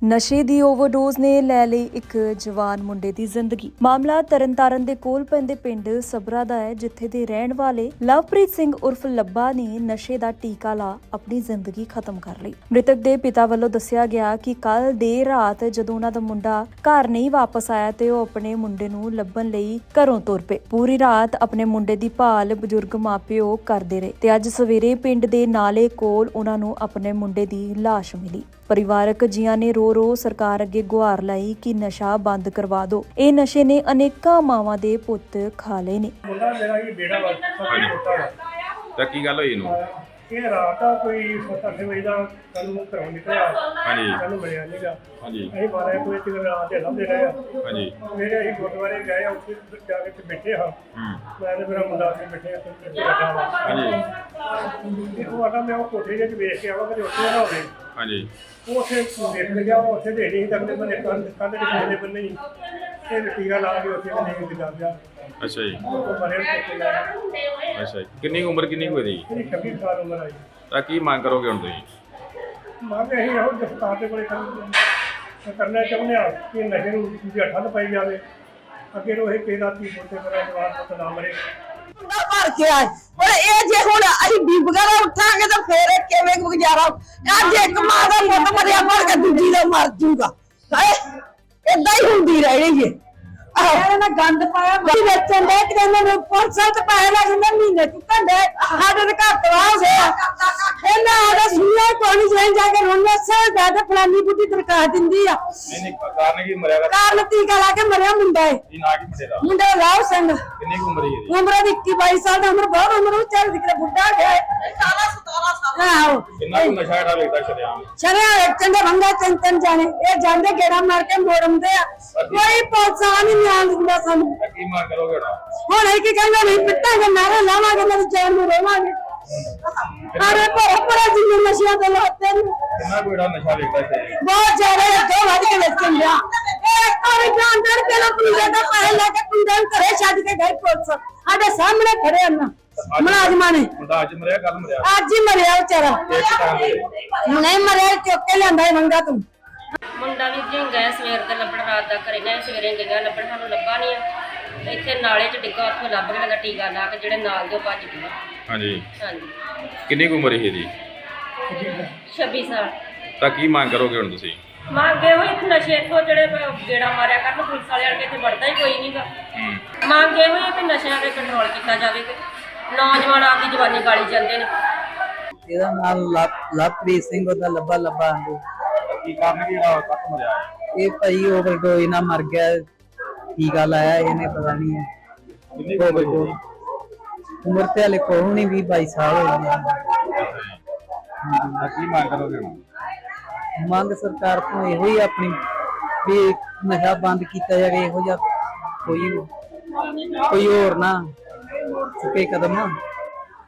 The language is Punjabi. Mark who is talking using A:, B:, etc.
A: ਨਸ਼ੇ ਦੀ ਓਵਰਡੋਜ਼ ਨੇ ਲੈ ਲਈ ਇੱਕ ਜਵਾਨ ਮੁੰਡੇ ਦੀ ਜ਼ਿੰਦਗੀ। ਮਾਮਲਾ ਤਰਨਤਾਰਨ ਦੇ ਕੋਲ ਪੈਂਦੇ ਪਿੰਡ ਸਬਰਾ ਦਾ ਹੈ, ਜਿੱਥੇ ਦੇ ਰਹਿਣ ਵਾਲੇ ਲਵਪ੍ਰੀਤ ਸਿੰਘ ਉਰਫ ਲੱਭਾ ਨੇ ਨਸ਼ੇ ਦਾ ਟੀਕਾ ਲਾ ਆਪਣੀ ਜ਼ਿੰਦਗੀ ਖਤਮ ਕਰ ਲਈ। ਮ੍ਰਿਤਕ ਦੇ ਪਿਤਾ ਵੱਲੋਂ ਦੱਸਿਆ ਗਿਆ ਕਿ ਕੱਲ ਦੇਰ ਰਾਤ ਜਦੋਂ ਉਹਨਾਂ ਦਾ ਮੁੰਡਾ ਘਰ ਨਹੀਂ ਵਾਪਸ ਆਇਆ ਤੇ ਉਹ ਆਪਣੇ ਮੁੰਡੇ ਨੂੰ ਲੱਭਣ ਲਈ ਘਰੋਂ ਤੁਰ ਪਏ। ਪੂਰੀ ਰਾਤ ਆਪਣੇ ਮੁੰਡੇ ਦੀ ਭਾਲ ਬਜ਼ੁਰਗ ਮਾਪਿਓ ਕਰਦੇ ਰਹੇ ਤੇ ਅੱਜ ਸਵੇਰੇ ਪਿੰਡ ਦੇ ਨਾਲੇ ਕੋਲ ਉਹਨਾਂ ਨੂੰ ਆਪਣੇ ਮੁੰਡੇ ਦੀ ਲਾਸ਼ ਮਿਲੀ। ਪਰਿਵਾਰਕ ਜੀਆਂ ਨੇ ਰੋ ਸਰਕਾਰ ਅੱਗੇ ਗੁਹਾਰ ਲਾਈ ਕਿ ਨਸ਼ਾ ਬੰਦ ਕਰਵਾ ਦਿਓ। ਇਹ ਨਸ਼ੇ ਨੇ ਅਨੇਕਾਂ ਮਾਵਾਂ ਦੇ ਪੁੱਤ ਖਾ ਲਏ ਨੇ।
B: ਮੁੰਡਾ ਮੇਰਾ ਹੀ ਬੇੜਾ ਵਾ, ਛੋਟਾ ਵਾ।
C: ਤਾਂ ਕੀ ਗੱਲ ਹੋਈ ਇਹਨੂੰ?
B: ਇਹ ਰਾਤ ਆ ਕੋਈ 7-8 ਵਜੇ ਦਾ ਕੱਲ ਘਰੋਂ ਨਿਕਲਿਆ।
C: ਹਾਂਜੀ।
B: ਕੱਲ ਮਿਲਿਆ ਨੀਗਾ।
C: ਹਾਂਜੀ।
B: ਅਸੀਂ 12 ਵਜੇ ਤੱਕ ਰਾਤ ਦੇ ਲੱਭਦੇ ਰਹੇ ਆ।
C: ਹਾਂਜੀ।
B: ਮੇਰੇ ਅਸੀਂ ਗੁਰਦੁਆਰੇ ਗਏ ਆ, ਉੱਥੇ ਜਾ ਕੇ ਬੈਠੇ ਹਾਂ। ਮੈਂ ਤੇ ਮੇਰਾ ਮੁੰਡਾ ਉੱਥੇ ਬੈਠੇ ਆ, ਤੇ ਬੈਠਾ ਵਾ।
C: ਹਾਂਜੀ।
B: ਤੇ ਉਹ ਆਟਾ ਮੈਂ ਉਹ ਕੋਠੇ ਜਿਹੇ 'ਚ ਵੇਖ ਕੇ ਆਵਾਂ ਕਿ ਉੱਥੇ ਨਾ ਹੋਵੇ।
C: ਹਾਂਜੀ।
B: ਉਹ ਉੱਥੇ ਵੇਖ ਲਿਆ, ਉਹ ਉੱਥੇ ਦੇ ਨਹੀਂ ਸਕਦੇ ਬੰਦੇ ਕੰਧ ਦੇ ਪਿਛਲੇ ਬੰਨੇ ਹੀ ਇਹ ਟੀਕਾ ਲਾ ਕੇ ਉੱਥੇ ਨਹੀਂ ਦਿਖਾ ਗਿਆ।
C: ਅੱਛਾ ਜੀ।
B: ਉਹ ਮਰੇ ਕੋਠੇ ਲਾਇਆ।
C: ਅੱਛਾ ਜੀ। ਕਿੰਨੀ ਕੁ ਉਮਰ ਕਿੰਨੀ ਕੁ ਇਹਦੀ?
B: ਇਹਦੀ 26 ਸਾਲ ਉਮਰ ਆਈ।
C: ਤਾਂ ਕੀ ਮੰਗ ਕਰੋਗੇ ਹੁਣ ਤੁਸੀਂ?
B: ਮੰਗ ਅਸੀਂ ਇਹੋ ਦਸਤਾਰ ਦੇ ਕੋਲੇ ਕਰਨਾ ਚਾਹੁੰਦੇ ਹਾਂ ਕਿ ਨਸ਼ੇ ਨੂੰ ਦੂਜੀ ਠੱਲ ਪਾਈ ਜਾਵੇ। ਅੱਗੇ ਨੂੰ ਇਹ ਕਿਸੇ ਦਾ ਧੀ ਪੁੱਤੇ ਮੇਰਾ ਜਵਾਨ ਪੁੱਤ ਨਾ ਮਰੇ।
D: ਮੁੰਡਾ ਭਰ ਕੇ ਆਏ ਪਰ ਇਹ ਜੇ ਹੁਣ ਅਸੀਂ ਬੀਬੀਆਂ ਦਾ ਉੱਠਾਂਗੇ ਤਾਂ ਫੇਰ ਇਹ ਕਿਵੇਂ ਗੁਜ਼ਾਰਾ? ਅੱਜ ਇੱਕ ਮਾਂ ਦਾ ਪੁੱਤ ਮਰਿਆ ਮਰ ਕੇ ਦੂਜੀ ਦਾ ਮਰ ਜੂਗਾ। ਏਦਾਂ ਹੀ ਹੁੰਦੀ ਰਹਿਣੀ ਏ। ਇਹਨਾਂ ਨੇ ਗੰਦ ਪਾਇਆ ਮੱਛੀ ਵੇਚਣ ਦੇ ਕਿ ਇਹਨਾਂ ਨੂੰ ਪੁਲਿਸਾਂ ਤੇ ਪੈਸੇ ਲੱਗ ਜਾਂਦੇ ਮਹੀਨੇ ਚੁੱਕਣ ਦੇ। ਸਾਡੇ ਦੇ ਘਰ ਤਬਾਹ ਹੋ ਗਿਆ। ਇਹਨਾਂ ਆਦਾ ਸੁਣਿਆ ਕੋਈ ਨਹੀਂ ਜਾ ਕੇ ਰੋਣਾ ਸਰ ਦਾ ਫਲਾਨੀ ਬੁੱਢੀ ਦਰਕਾਰ ਦਿੰਦੀ ਆ।
C: ਨਹੀਂ ਕਾਰਨ ਕੀ ਮਰਿਆ?
D: ਕਾਰਨ ਟੀਕਾ ਲਾ ਕੇ ਮਰਿਆ ਮੁੰਡਾ ਏ।
C: ਕੀ ਨਾਂ ਕੀ ਮੁੰਡੇ ਦਾ?
D: ਮੁੰਡਾ ਰਾਵ ਸਿੰਘ।
C: ਕਿੰਨੀ ਕੁ ਉਮਰ ਹੈ ਇਹਦੀ?
D: ਉਮਰ ਦੀ 21-22 ਸਾਲ ਦੀ ਉਮਰ, ਬਹੁਤ ਉਮਰ ਉਹ ਚੱਲ ਦਿਖਦਾ ਬੁੱਢਾ ਗਿਆ 18-17 ਸਾਲ। ਆਹੋ
C: ਕਿੰਨਾ ਕੁ ਨਸ਼ਾ ਜਿਹੜਾ ਵੇਚਦਾ ਸ਼ਰਿਆਮ?
D: ਸ਼ਰਿਆਮ ਵੇਚਣ ਦੇ ਵੰਗਾ ਤਿੰਨ ਜਾਣੇ ਇਹ ਜਾਂਦੇ ਗੇੜਾ ਮਾਰ ਕੇ ਮੋੜਮਦੇ ਆ। ਕੋਈ ਪੁਲਿਸ ਆ ਨਹੀਂ ਨਿਆਂ ਦਿੰਦਾ ਸਾਨੂੰ।
C: ਤਾਂ ਕੀ ਮੰਗ ਕਰੋਗੇ
D: ਹੁਣ ਇਹ ਕੀ ਕਹਿੰਦਾ ਨਹੀਂ ਪਿੱਟਾਂਗੇ ਨਾਰੇ ਲਾਵਾਂਗੇ ਮੇਰੇ ਜਾਨ ਨੂੰ ਰੋਵਾਂਗੇ। ਅਰੇ ਭਰਾ ਜਿੰਨੇ ਨਸ਼ਿਆਂ ਦੇ ਲਾਤੇ ਨੇ
C: ਕਿੰਨਾ ਕੁ ਜਿਹੜਾ ਨਸ਼ਾ ਵੇਚਦਾ ਸ਼ਰਿਆਮ?
D: ਬਹੁਤ ਜ਼ਿਆਦਾ ਅੱਗੇ ਵੱਧ ਕੇ ਵੇਚਣ ਲਿਆ। ਇਹ ਔਰ ਜਾਨਦਾਰ ਪਹਿਲਾਂ ਪੁਲਿਸ ਦਾ ਪੈਸੇ ਲੈ ਕੇ ਕੁੰਡਲ ਘਰੇ ਛੱਡ ਕੇ ਗਏ ਪੁਲਿਸ ਸਾਡੇ ਸਾਹਮਣੇ ਖੜੇ ਹਨ ਮੁਲਾਜ਼ਮਾਂ ਨੇ।
C: ਮੁੰਡਾ ਅੱਜ ਮਰਿਆ ਕੱਲ ਮਰਿਆ?
D: ਅੱਜ ਹੀ ਮਰਿਆ ਵਿਚਾਰਾ। ਨਹੀਂ ਮਰਿਆ ਚੁੱਕ ਕੇ ਲਿਆਂਦਾ ਮੰਗਾ ਤੂੰ।
E: ਮੁੰਡਾ ਵੀ ਜੀ ਗਏ ਸਵੇਰ ਦੇ ਲੱਭਣ, ਰਾਤ ਦਾ ਘਰੇ ਗਏ, ਸਵੇਰੇ ਗਈਆਂ ਲੱਭਣ, ਸਾਨੂੰ ਲੱਭਾ ਨਹੀਂ ਆ। ਇੱਥੇ ਨਾਲੇ 'ਚ ਡਿੱਗਾ, ਉੱਥੋਂ ਲੱਭ ਕੇ ਲੱਗਾ ਟੀਕਾ ਲਾ ਕੇ ਜਿਹੜੇ ਨਾਲ ਦੇ ਭੱਜ ਗਏ।
C: ਹਾਂਜੀ।
E: ਹਾਂਜੀ।
C: ਕਿੰਨੀ ਕੁ ਉਮਰ ਹੈ ਇਹਦੀ?
E: 26 ਸਾਲ।
C: ਤਾਂ ਕੀ ਮੰਗ ਕਰੋਗੇ ਹੁਣ ਤੁਸੀਂ?
E: ਮੰਗੇ ਹੋਏ ਕਿ ਨਸ਼ੇ ਇੱਥੋਂ ਜਿਹੜੇ ਗੇੜਾ ਮਾਰਿਆ ਕਰਨ ਪੁਲਿਸ ਵਾਲਿਆਂ ਨੇ, ਇੱਥੇ ਵੜਦਾ ਹੀ ਕੋਈ ਨਹੀਂਗਾ। ਮੰਗੇ ਹੋਏ ਕਿ ਨਸ਼ਿਆਂ 'ਤੇ ਕੰਟਰੋਲ ਕੀਤਾ ਜਾਵੇ ਕਿ ਨੌਜਵਾਨ ਆਪਦੀ ਜਵਾਨੀ ਗਾਲੀ ਜਾਂਦੇ ਨੇ।
F: ਇਹਦਾ ਨਾਮ ਲਵਪ੍ਰੀਤ ਸਿੰਘ, ਉਹਦਾ ਲੱਭਾ ਆਂਦੇ।
C: ਕੀ ਕਾਰਨ ਕੀ ਜਿਹੜਾ ਕੱਟ ਮਰਿਆ?
F: ਇਹ ਭਾਈ ਓਵਰਡੋਜ਼ ਨਾਲ ਮਰ ਗਿਆ। ਟੀਕਾ ਲਾਇਆ ਇਹਨੇ, ਪਤਾ ਨਹੀਂ
C: ਕਿੰਨੀ ਕੁ ਉਮਰ ਹੈ?
F: ਉਮਰ ਤੇ ਹਲੇ ਕੋਈ ਨਹੀਂ, 20-22 ਸਾਲ ਹੋ ਗਏ।
C: ਤਾਂ ਕੀ ਮੰਗ ਕਰੋਗੇ ਹੁਣ?
F: ਮੰਗ ਸਰਕਾਰ ਤੋਂ ਇਹੋ ਹੀ ਆਪਣੀ ਵੀ ਨਸ਼ਾ ਬੰਦ ਕੀਤਾ ਜਾਵੇ। ਇਹੋ ਜਿਹਾ ਕੋਈ ਹੋਰ ਨਾ ਚੁੱਕੇ ਕਦਮ।